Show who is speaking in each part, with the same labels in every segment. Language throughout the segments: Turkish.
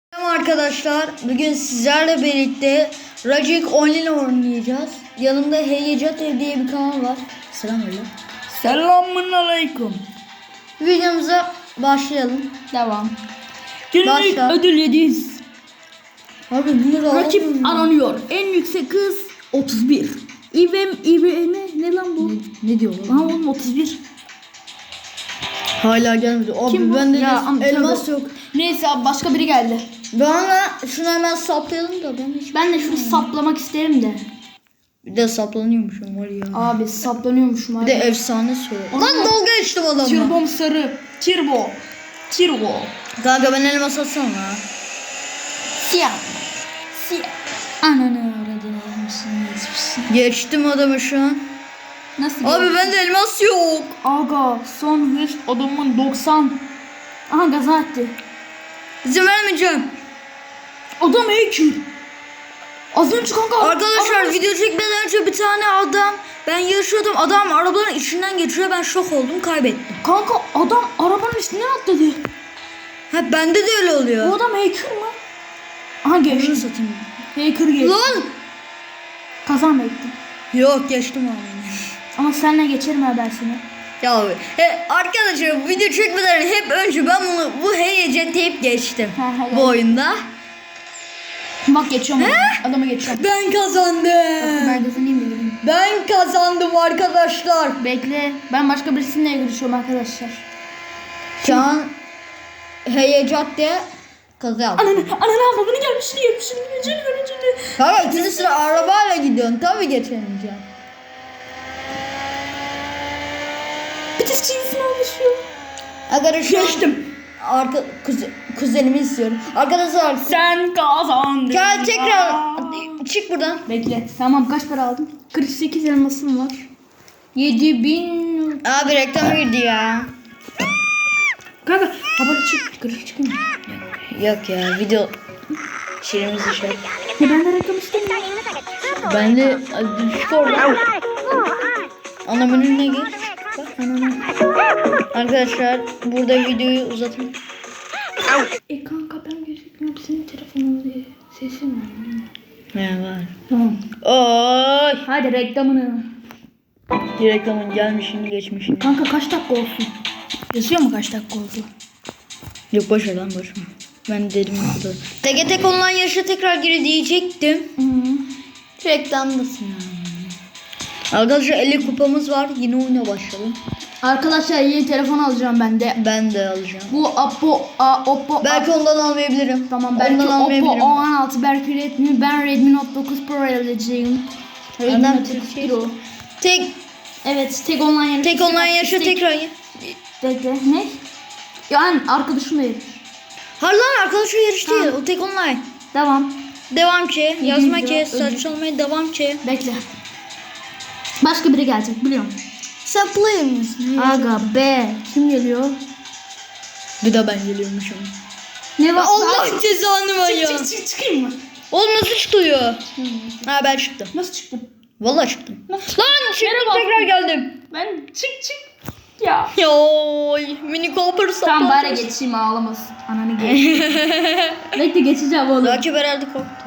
Speaker 1: Merhaba arkadaşlar, bugün sizlerle birlikte Rajik Online oynayacağız. Yanımda Heyecat Ev diye bir kanal var. Selamünaleyküm.
Speaker 2: Selamünaleyküm.
Speaker 1: Videomuza başlayalım.
Speaker 2: Devam. Günlük
Speaker 1: Başla.
Speaker 2: ödül 700.
Speaker 1: Abi bunu da
Speaker 2: Rakip
Speaker 1: alalım.
Speaker 2: aranıyor. En yüksek hız 31. İvm ne lan bu?
Speaker 1: Ne diyor
Speaker 2: Lan oğlum 31.
Speaker 1: Hala gelmedi. Abi
Speaker 2: Kim bu?
Speaker 1: bende
Speaker 2: Ya,
Speaker 1: elmas
Speaker 2: tövbe.
Speaker 1: yok.
Speaker 2: Neyse abi başka biri geldi.
Speaker 1: Bana şunu hemen saplayalım da ben hiç...
Speaker 2: Ben de şunu saplamak isterim de.
Speaker 1: Bir de saplanıyormuşum var ya.
Speaker 2: Abi saplanıyormuşum abi.
Speaker 1: Bir de efsane söyle. Lan dalga geçtim adamla.
Speaker 2: Tirbom sarı. Tirbo.
Speaker 1: Kanka ben elmas atsana.
Speaker 2: Siyah. Ananı aradın almışsın.
Speaker 1: Geçtim adamı şu an.
Speaker 2: Nasıl?
Speaker 1: Abi bende elmas yok.
Speaker 2: Aga son hız adamın 90. Aha gaza attı.
Speaker 1: İzin vermeyeceğim.
Speaker 2: Adam hacker. Az önce kanka.
Speaker 1: Arkadaşlar
Speaker 2: adam-
Speaker 1: video çekmeden önce bir tane adam, ben yarışıyordum, adam arabaların içinden geçiyor, ben şok oldum, kaybettim.
Speaker 2: Kanka adam arabanın üstünden atladı.
Speaker 1: Ha bende de öyle
Speaker 2: Bu
Speaker 1: oluyor.
Speaker 2: adam hacker mı? Aha
Speaker 1: Şunu
Speaker 2: geçti.
Speaker 1: satayım.
Speaker 2: Hacker geçti.
Speaker 1: Lan!
Speaker 2: Kazan bekledim.
Speaker 1: Yok geçtim abi.
Speaker 2: Ama seninle geçerim ha ben seni.
Speaker 1: Ya abi, arkadaşlar video çekmeden hep önce ben bu heyecan deyip geçtim
Speaker 2: He,
Speaker 1: bu oyunda.
Speaker 2: Bak geçiyorum. Adamı geçiyorum.
Speaker 1: Ben kazandım.
Speaker 2: Ben de seni mi?
Speaker 1: Ben kazandım arkadaşlar.
Speaker 2: Bekle. Ben başka birisiyle görüşüyorum arkadaşlar.
Speaker 1: Şu an heyecan diye kazandım.
Speaker 2: Ananı avradını gelmiş. Şimdi.
Speaker 1: Kanka ikinci sıra arabayla gidiyorsun, tabii geçemeyeceğim.
Speaker 2: Bitiş çizgisini almışıyor.
Speaker 1: Arkadaşlar
Speaker 2: Geçtim.
Speaker 1: Kuzenimi istiyorum. Arkadaşlar
Speaker 2: Sen kazandın.
Speaker 1: gel tekrar çık buradan.
Speaker 2: Bekle. Tamam kaç para aldın? 48 elmasım var. 7000.
Speaker 1: Abi reklam girdi ya.
Speaker 2: Kanka haberi çık. Kırık çıkayım.
Speaker 1: Yok ya video şeyimizi şey.
Speaker 2: Ya ben de reklam istemiyorum.
Speaker 1: Ben de düşük orada. Ana menüne gir. Bak ana. Arkadaşlar burada videoyu uzatın.
Speaker 2: Kanka ben gözükmüyorum. Senin telefonun diye. Sesin var.
Speaker 1: Ne var?
Speaker 2: Tamam.
Speaker 1: Oy.
Speaker 2: Hadi reklamını.
Speaker 1: Reklamın gelmişini geçmişini.
Speaker 2: Kanka kaç dakika olsun? Yazıyor mu kaç dakika oldu?
Speaker 1: Yok boş ver lan boş ver. Ben dedim burada. Teke tek online yarışa tekrar gir diyecektim. Reklamdasın ya. Arkadaşlar 50 kupamız var. Yine oyuna başlayalım.
Speaker 2: Arkadaşlar yeni telefon alacağım ben de.
Speaker 1: Ben de alacağım.
Speaker 2: Bu Oppo.
Speaker 1: Belki ondan almayabilirim.
Speaker 2: Tamam belki
Speaker 1: ondan
Speaker 2: Oppo
Speaker 1: almayabilirim.
Speaker 2: A16 belki Redmi. Ben Redmi Note 9 Pro alacağım. Redmi
Speaker 1: Adam
Speaker 2: Note 9 Pro.
Speaker 1: Tek
Speaker 2: Evet tek online
Speaker 1: yarışa tekrar gir.
Speaker 2: Bekle ne? Yani arkadaşımla yarış.
Speaker 1: Hayır lan arkadaşlar yarış değil. O tek online.
Speaker 2: Devam.
Speaker 1: Devam ki. Yazma ki.
Speaker 2: lira
Speaker 1: Saçmalamaya devam ki.
Speaker 2: Bekle. Başka biri gelecek biliyorum.
Speaker 1: Sen player misin?
Speaker 2: Aga be. Kim geliyor?
Speaker 1: Bir de ben geliyormuşum.
Speaker 2: Ne var?
Speaker 1: Allah cezanı var ya.
Speaker 2: Çıkayım mı?
Speaker 1: Oğlum nasıl çıkıyor? Ha ben çıktım.
Speaker 2: Nasıl çıktım?
Speaker 1: Vallahi çıktım. Lan çıktım
Speaker 2: Merhaba.
Speaker 1: tekrar geldim.
Speaker 2: Ben çık. Ya.
Speaker 1: Yoy mini Cooper
Speaker 2: Tamam bari geçeyim ağlamasın. Ananı geç. Bekle geçeceğim oğlum.
Speaker 1: Rakip herhalde korktu.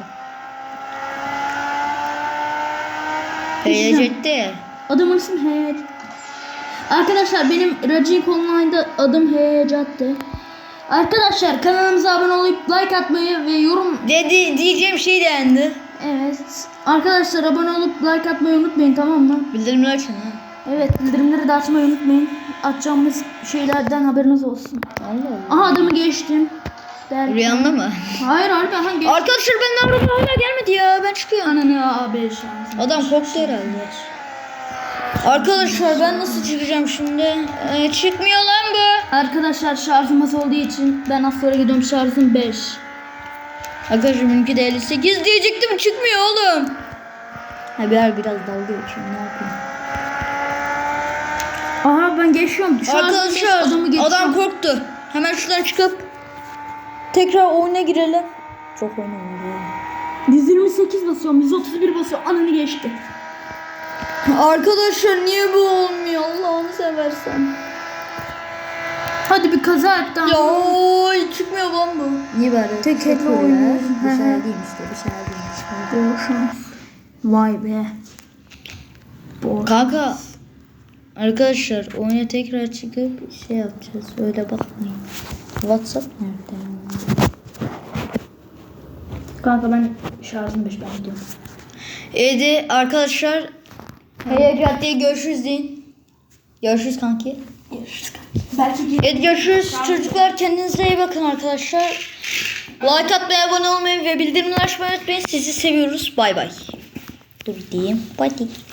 Speaker 1: Heyecanlı.
Speaker 2: Adamın ismi Heyecat. Arkadaşlar benim Rajik Online'da adım Heyecat'tı. Arkadaşlar kanalımıza abone olup like atmayı ve yorum...
Speaker 1: Diyeceğim şey dendi.
Speaker 2: Evet. Arkadaşlar abone olup like atmayı unutmayın tamam mı?
Speaker 1: Bildirimler açın ha.
Speaker 2: Evet bildirimleri de açmayı unutmayın. Atacağımız şeylerden haberiniz olsun.
Speaker 1: Allah Allah.
Speaker 2: Aha adamı geçtim. Derken...
Speaker 1: Rüyanda mı?
Speaker 2: Hayır geçtim.
Speaker 1: Arkadaşlar ben araba hala gelmedi ya. Ben çıkıyorum.
Speaker 2: Ananı abi şans.
Speaker 1: Adam korktu herhalde. Arkadaşlar ben nasıl çıkacağım şimdi? Çıkmıyor lan bu.
Speaker 2: Arkadaşlar şarjım az olduğu için ben az sonra gidiyorum şarjım 5.
Speaker 1: Arkadaşlar benimki de 58 diyecektim çıkmıyor oğlum. Ha biraz dalga geçiyorum ne yapayım.
Speaker 2: Aha ben geçiyorum.
Speaker 1: Arkadaşlar adam korktu. Hemen şuradan çıkıp tekrar oyuna girelim. Çok oynuyor.
Speaker 2: 128 basıyorum, 131 basıyorum. Ananı geçti.
Speaker 1: Arkadaşlar niye bu olmuyor Allah'ını seversen.
Speaker 2: Hadi bir kaza etti ama.
Speaker 1: Ya oy, çıkmıyor lan bu.
Speaker 3: Niye böyle?
Speaker 2: Tek elle
Speaker 3: Sıfır ya.
Speaker 2: oynuyoruz.
Speaker 3: Bir
Speaker 2: Hı hı.
Speaker 3: şey değil işte. Bir şey değil.
Speaker 2: Bol şans. Vay be. Bol.
Speaker 1: Kanka arkadaşlar oyuna tekrar çıkıp şey yapacağız. Öyle bakmayın. WhatsApp nerede?
Speaker 2: Kanka ben şarjım 5 ben gidiyorum.
Speaker 1: Evet arkadaşlar. Hey caddeye görüşürüz deyin. Görüşürüz kanki.
Speaker 2: Belki
Speaker 1: Evet görüşürüz çocuklar. Kendinize iyi bakın arkadaşlar. Like atmayı, abone olmayı ve bildirimleri açmayı unutmayın. Sizi seviyoruz. Bay bay. Dur diyeyim. Bay bay.